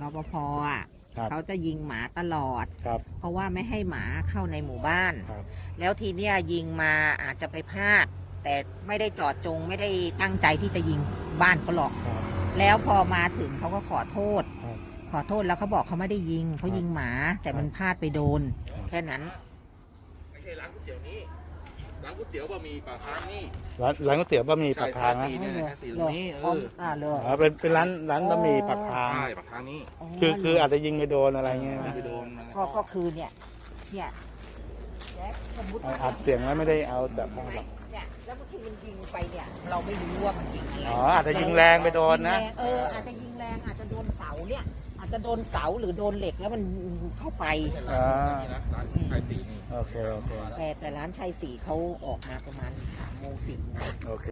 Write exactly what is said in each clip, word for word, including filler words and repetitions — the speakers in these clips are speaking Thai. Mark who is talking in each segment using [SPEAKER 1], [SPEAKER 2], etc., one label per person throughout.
[SPEAKER 1] ปภอ่ะเขาจะยิงหมาตลอดเพราะว่าไม่ให้หมาเข้าในหมู่บ้านแล้วทีเนี้ยยิงมาอาจจะไปพลาดแต่ไม่ได้จอดจงไม่ได้ตั้งใจที่จะยิงบ้านเขาหรอกแล้วพอมาถึงเขาก็ขอโทษขอโทษแล้วเขาบอกเขาไม่ได้ยิงเขายิงหมาแต่มันพลาดไปโดนแค่นั้น
[SPEAKER 2] ไม่ใช่ร้านก๋วยเตี๋ยวนี้ร้านก๋วยเตี๋ยวบะหมี่ปากทางนี่
[SPEAKER 3] ร้านร้านก๋วยเตี๋ยวบะหมี่ปากทางนะ
[SPEAKER 2] สีนี้เออ
[SPEAKER 1] อ่าเลย
[SPEAKER 3] อ๋อเป็นเป็นร้านร้านบะหมี่ปากทาง
[SPEAKER 2] ใช่ปากทางนี้
[SPEAKER 3] คือคืออาจจะยิงไปโดนอะไรเงี้ย
[SPEAKER 2] ไปโดน
[SPEAKER 1] ก็ก็คือเนี่ยเนี่ย
[SPEAKER 3] อัดเสียงแล้วไม่ได้เอาแต่ข้างหลัง
[SPEAKER 1] เนี่ยแล้วบางทีมันยิงไปเนี่ยเราไม่รู้ว่ามันยิงอะไร
[SPEAKER 3] อ๋ออาจจะยิงแรงไปโดนนะ
[SPEAKER 1] เอออาจจะยิงแรงอาจจะโดนเสาเนี่ยอาจจะโดนเสาหรือโดนเหล็กแล้วมันเข้าไป
[SPEAKER 3] อ่า
[SPEAKER 2] ร้านชัยศรีนี่
[SPEAKER 3] โอเคโอเค
[SPEAKER 1] แต่แต่ร้านชัยศรีเขาออกมาประมาณสามโมงสิบ
[SPEAKER 3] โอเค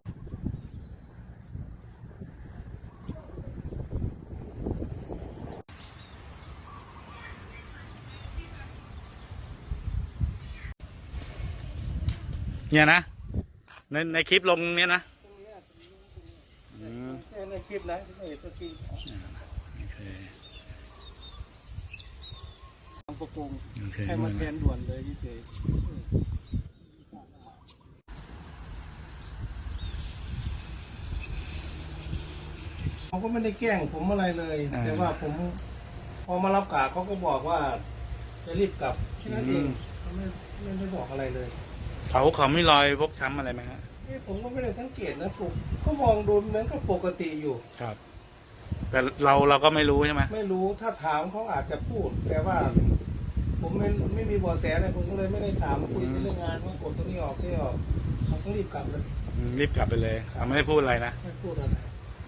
[SPEAKER 3] เนี่ยนะในในคลิปลงเนี้ยนะ
[SPEAKER 4] ในคลิปนะไม่เห็นตัวจริงทางประกงให้มาแทนด่วนเลยเฉยเขาก็ไม่ได้แกล้งผมอะไรเลยแต่ว่าผมพอมารับกะเขาก็บอกว่าจะรีบกลับแค่นั้นเองเขาไม่ไม่ได้บอกอะไรเลย
[SPEAKER 3] เขาเขาไม่รอยพกช้ำอะไรไหมฮะ
[SPEAKER 4] ผมก็ไม่ได้สังเกตนะผมก็มองดูเหมือนกับปกติอยู่
[SPEAKER 3] ครับแต่เราเราก็ไม่รู้ใช่ไหม
[SPEAKER 4] ไม่รู้ถ้าถามเขาอาจจะพูดแต่ว่าผมไม่ไม่มีเบาะแสอะไรผมก็เลยไม่ได้ถามคุยเรื่องงานว่ากดตรงนี้ออกที่ออกเขาก็รีบกลับเลย
[SPEAKER 3] รีบกลับไปเลยเขาไม่ได้พูดอะไรนะ
[SPEAKER 4] ไม่พูดอะไร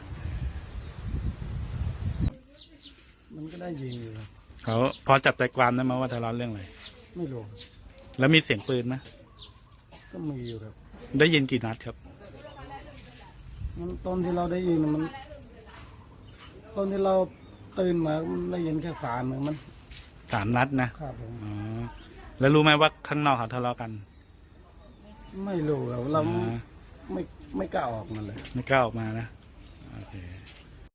[SPEAKER 4] มันก็ได้ยิงอยู่
[SPEAKER 3] เขาพอจับใจความได้ไหมว่าทะเลาะเรื่องอะไร
[SPEAKER 4] ไม่รู้
[SPEAKER 3] แล้วมีเสียงปืนไหม
[SPEAKER 4] ก็มีอยู่ครับ
[SPEAKER 3] ได้ยินกี่นัดครับ
[SPEAKER 4] มันตอนที่เราได้ยินมันตอนที่เราตื่นมาได้ยินแค่สามเหมือนมัน
[SPEAKER 3] สามนัดนะครับ
[SPEAKER 4] ผม
[SPEAKER 3] อ๋อแล้วรู้ไหมว่าข้างนอกเขาทะเลาะกัน
[SPEAKER 4] ไม่รู้เราเราไม่ไม่กล้าออกมาเลย
[SPEAKER 3] ไม่กล้าออกมานะโอเค